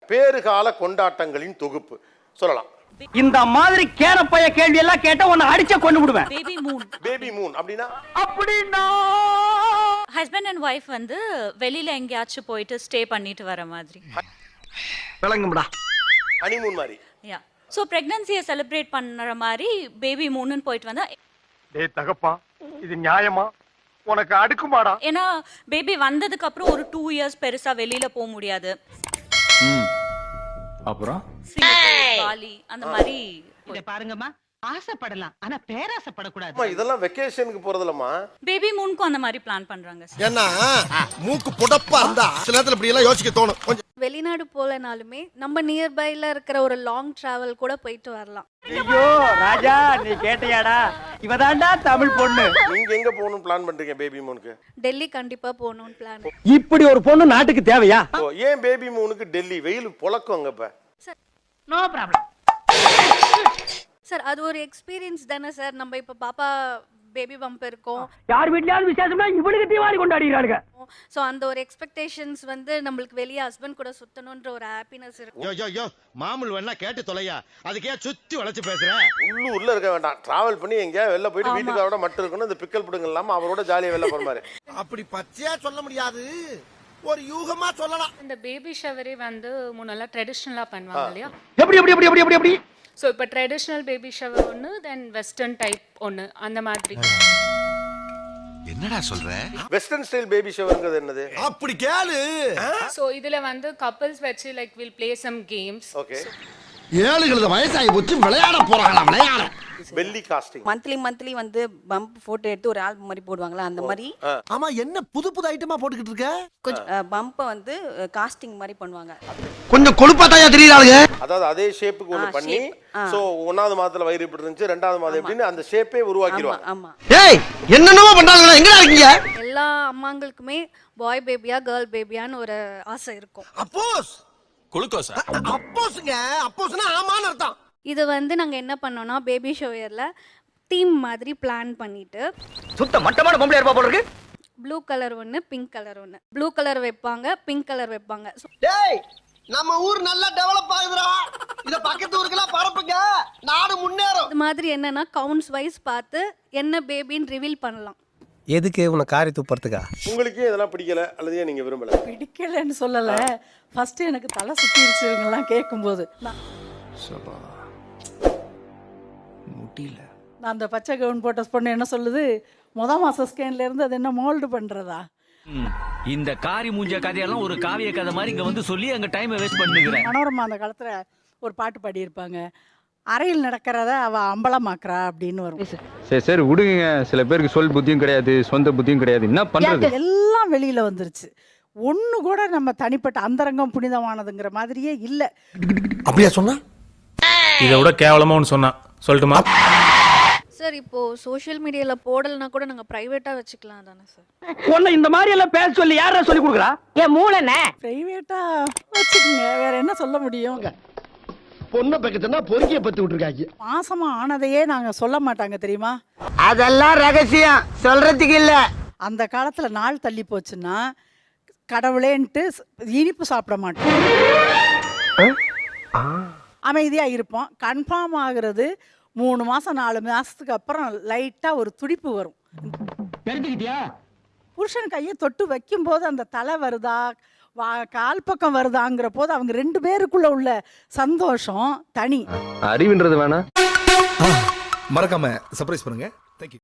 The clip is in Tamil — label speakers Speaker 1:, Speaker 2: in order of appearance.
Speaker 1: பேறுகால கொண்டாட்டங்களின் தொகுப்பு சொல்லலாம்.
Speaker 2: இந்த மாதிரி கேரப்பைய கேள்வி எல்லாம் கேட்டா உன்னை அடிச்சே கொண்டு விடுவேன்.
Speaker 3: Baby moon.
Speaker 1: பேபி மூன் அப்படின்னா
Speaker 3: ஹஸ்பண்ட் அண்ட் வைஃப் வந்து வெளியில எங்கேயாச்சும் போயிட்டு ஸ்டே பண்ணிட்டு வர மாதிரி.
Speaker 2: விளங்கும்டா.
Speaker 1: ஹனிமூன் மாதிரி.
Speaker 3: யா. சோ பிரெக்னன்சியை செலிப்ரேட் பண்ற மாதிரி பேபி மூன்னு போயிட்டு வந்தா.
Speaker 2: டேய் தகப்பா, இது நியாயமா? உனக்கு அடுக்குமாடா?
Speaker 3: ஏன்னா பேபி வந்ததுக்கு அப்புறம் ஒரு 2 இயர்ஸ் பெருசா வெளியில போக முடியாது.
Speaker 4: அப்புறம்
Speaker 3: பாலி அந்த மாதிரி.
Speaker 5: இத பாருங்கம்மா, ஆசைப்படலாம் ஆனா பேராசைப்படக்கூடாது.
Speaker 1: அம்மா இதெல்லாம் வெக்கேஷனுக்கு போறதுலமா
Speaker 3: பேபி மூனுக்கும் அந்த மாதிரி பிளான் பண்றாங்க.
Speaker 6: ஏன்னா மூக்கு புடப்பா இருந்தா சில நேரத்துல இப்படி எல்லாம் யோசிக்க தோணும். கொஞ்சம்
Speaker 7: வெளிநாடு போலனாலுமே நம்ம நியர்பைல இருக்கிற ஒரு லாங் டிராவல் கூட போயிட்டு வரலாம்.
Speaker 2: ஐயோ ராஜா, நீ கேட்டியாடா? இவதான்டா தமிழ் பொண்ணு.
Speaker 1: நீங்க எங்க போகணும்னு பிளான் பண்றீங்க பேபி மூனுக்கு?
Speaker 7: டெல்லி கண்டிப்பா போகணும்னு பிளான்.
Speaker 2: இப்படி ஒரு பொண்ணு நாட்டுக்கு தேவையா?
Speaker 1: ஏன் பேபி மூனுக்கு டெல்லி? வெயில் பொழக்கும் அங்க. இப்ப
Speaker 5: நோ ப்ராப்ளம்
Speaker 7: சார், அது ஒரு எக்ஸ்பீரியன்ஸ் தானே சார். நம்ம இப்ப பாப்பா பேபி பம்ப் இருக்கும்.
Speaker 2: யார் வீட்லயாவது விசேஷம்னா இவனுக்கு தீபாவளி கொண்டாடிறாங்க.
Speaker 7: சோ அந்த ஒரு எக்ஸ்பெக்டேஷன்ஸ் வந்து நம்மளுக்கு வெளிய ஹஸ்பண்ட் கூட சுத்தணும்ன்ற ஒரு ஹாப்பினஸ் இருக்கும்.
Speaker 6: யோ யோ யோ மாமூல் வேணா கேட்டு தொலையா, அதுக்கே சுத்தி வளைச்சு பேசுற.
Speaker 1: உள்ளூர்ல இருக்க வேண்டாம், டிராவல் பண்ணி எங்கயா வெளில போயிட்டு வீட்டுக்காரோட மட்டும் இருக்கணும். இந்த பிக்கல் புடுங்க இல்லாம அவரோட ஜாலியா வெளில போற மாதிரி.
Speaker 6: அப்படி பச்சையா சொல்ல முடியாது, ஒரு யூகமா சொல்லலாம்.
Speaker 8: இந்த பேபி ஷவரே வந்து முன்னெல்லாம் ட்ரெடிஷ்னலா பண்ணுவாங்க இல்லையா?
Speaker 2: எப்படி எப்படி எப்படி எப்படி எப்படி?
Speaker 8: ஸோ இப்போ ட்ரெடிஷ்னல் பேபி ஷவர் ஒன்று, தென் வெஸ்டர்ன் டைப் ஒன்று, அந்த மாதிரி.
Speaker 6: என்னடா சொல்ற?
Speaker 1: வெஸ்டர்ன் ஸ்டைல் பேபி ஷவர்ங்கிறது என்னது?
Speaker 6: அப்படி கேளு.
Speaker 8: ஸோ இதுல வந்து கப்பல்ஸ் வச்சு like will play some games.
Speaker 1: Okay.
Speaker 6: ஏழுகளது வயசாகி போச்சு, விளையாட போறாங்களா? விளையாட
Speaker 1: பெல்லி காஸ்டிங்.
Speaker 9: மந்த்லி வந்து பம்ப் போட்டோ எடுத்து ஒரு ஆல்பம் மாதிரி போடுவாங்களா, அந்த மாதிரி.
Speaker 6: ஆமா, என்ன புது புது ஐட்டமா போட்டுக்கிட்டு இருக்க?
Speaker 9: கொஞ்சம் பம்பை வந்து காஸ்டிங் மாதிரி பண்ணுவாங்க.
Speaker 6: கொஞ்சம் கொழுப்பாட்டாயா தெரியறாளுங்க.
Speaker 1: அதாவது அதே ஷேப்புக்கு ஒன்னு பண்ணி, சோ 1வது மாதத்துல வயிறு இப்படி இருந்துச்சு, 2வது மாதம் எப்படின்னு அந்த ஷேப்பே உருவாக்கிடுவாங்க.
Speaker 9: ஆமா.
Speaker 6: ஏய், என்னென்னமோ பண்றாங்களா? எங்கடா இருக்கீங்க?
Speaker 7: எல்லா அம்மாங்களுக்குமே பாய் பேபியா கேர்ள் பேபியான்னு ஒரு ஆசை இருக்கும்.
Speaker 6: அப்போஸ் குளுக்கோஸா? அப்போஸ்ங்க, அப்போஸ்னா ஆமான்னு அர்த்தம்.
Speaker 7: இது வந்து நாங்க என்ன பண்ணோம்னா பேபி ஷோயர்ல தீம் மாதிரி பிளான் பண்ணிட்டு,
Speaker 2: சுத்த மட்டமான பொம்பளை இருப்பா போல இருக்கு.
Speaker 7: ப்ளூ கலர் ஒன்னு, பிங்க் கலர் ஒன்னு. ப்ளூ கலர் வைப்பாங்க, பிங்க் கலர் வைப்பாங்க.
Speaker 6: டேய், நம்ம ஊர் நல்லா டெவலப் ஆகுதுடா. இத பக்கத்து ஊருக்குலாம் பரப்புங்க, நாடு முன்னேறும்.
Speaker 7: இது மாதிரி என்னன்னா கவுண்ட்ஸ் வைஸ் பார்த்து என்ன பேபின்னு ரிவீல் பண்ணலாம்.
Speaker 10: எதுக்கு உன காரி துப்புறதுக்கா?
Speaker 1: உங்களுக்கே இதெல்லாம் பிடிக்கல அல்லது ஏன் நீங்க விரும்பல?
Speaker 5: பிடிக்கலன்னு சொல்லல, ஃபர்ஸ்ட் எனக்கு தலை சுத்திருச்சு இவங்கெல்லாம் கேட்கும்போது.
Speaker 10: முடியல.
Speaker 5: நான் அந்த பச்சை கவுன் போட்ட பொண்ணு என்ன சொல்லுது, மாச ஸ்கேன்ல இருந்து அது என்ன மோல்டு பண்றதா?
Speaker 4: இந்த காரி மூஞ்ச கதையெல்லாம் ஒரு காவிய கதை மாதிரி இங்க வந்து சொல்லி அங்க டைமை வேஸ்ட் பண்ணுகிறேன்.
Speaker 5: மனோரமா அந்த காலத்துல ஒரு பாட்டு பாடியிருப்பாங்க, அறையில் நடக்கிறத அவ அம்பலமாக்குறா அப்படின்னு வரும்.
Speaker 4: சரி சரி விடுங்க, சில பேருக்கு சொல் புத்தியும் கிடையாது, சொந்த புத்தியும் கிடையாது, என்ன பண்றது?
Speaker 5: எல்லாம் வெளியில வந்துருச்சு. ஒண்ணு கூட நம்ம தனிப்பட்ட அந்தரங்கம் புனிதமானதுங்கிற மாதிரியே இல்ல.
Speaker 6: அப்படியா சொன்னா?
Speaker 10: இதை விட கேவலமா ஒன்று சொன்னா சொல்லட்டுமா?
Speaker 7: சார், இப்போ சோஷியல் மீடியால போடலனா கூட நாங்க பிரைவேட்டா வச்சுக்கலாம் தானே சார்?
Speaker 2: உன்னை இந்த மாதிரி எல்லாம் பேச சொல்லி யாரா சொல்லி கொடுக்குறா?
Speaker 5: என் மூளைனே பிரைவேட்டா வச்சுக்கங்க, வேற என்ன சொல்ல முடியும்?
Speaker 6: பொண்ணை பக்கத்துனா பொறுக்கிய பத்தி விட்டுருக்காங்க.
Speaker 5: மாசமா ஆனதையே நாங்க சொல்ல மாட்டாங்க தெரியுமா?
Speaker 2: அதெல்லாம் ரகசியம், சொல்றதுக்கு இல்ல.
Speaker 5: அந்த காலத்துல நாள் தள்ளி போச்சுன்னா கடவுளேன்ட்டு இனிப்பு சாப்பிட மாட்டோம், அமைதியா இருப்போம். கன்ஃபார்ம் ஆகுறது 3 மாசம் 4 மாசத்துக்கு அப்புறம் லைட்டா ஒரு துடிப்பு வரும்.
Speaker 2: தெரிஞ்சுக்கிட்டியா?
Speaker 5: புருஷன் கையை தொட்டு வைக்கும் போது அந்த தலை வருதா கால் பக்கம் வருதாங்கிற போது அவங்க 2 பேருக்குள்ள உள்ள சந்தோஷம் தனி.
Speaker 4: அறிவுன்றது வேணா.
Speaker 10: மறக்காம சர்ப்ரைஸ் பண்ணுங்க. தேங்க்யூ.